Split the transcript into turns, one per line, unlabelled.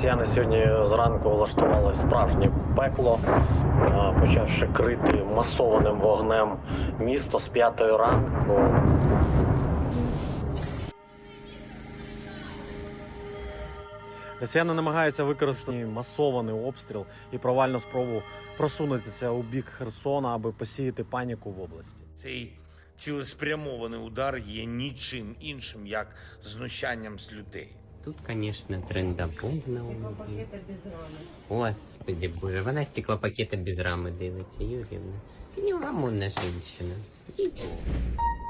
Росіяни сьогодні зранку влаштували справжнє пекло, почавши крити масованим вогнем місто з 5 ранку. Росіяни намагаються використати масований обстріл і провальну спробу просунутися у бік Херсона, аби посіяти паніку в області.
Цей цілеспрямований удар є нічим іншим, як знущанням з людей.
Тут, конечно, трендапункт на умі.
Стеклопакета без рами.
Господи боже, вона стеклопакета без рами дивиться, Юрівна. Ти неугомонна жінщина. Іди.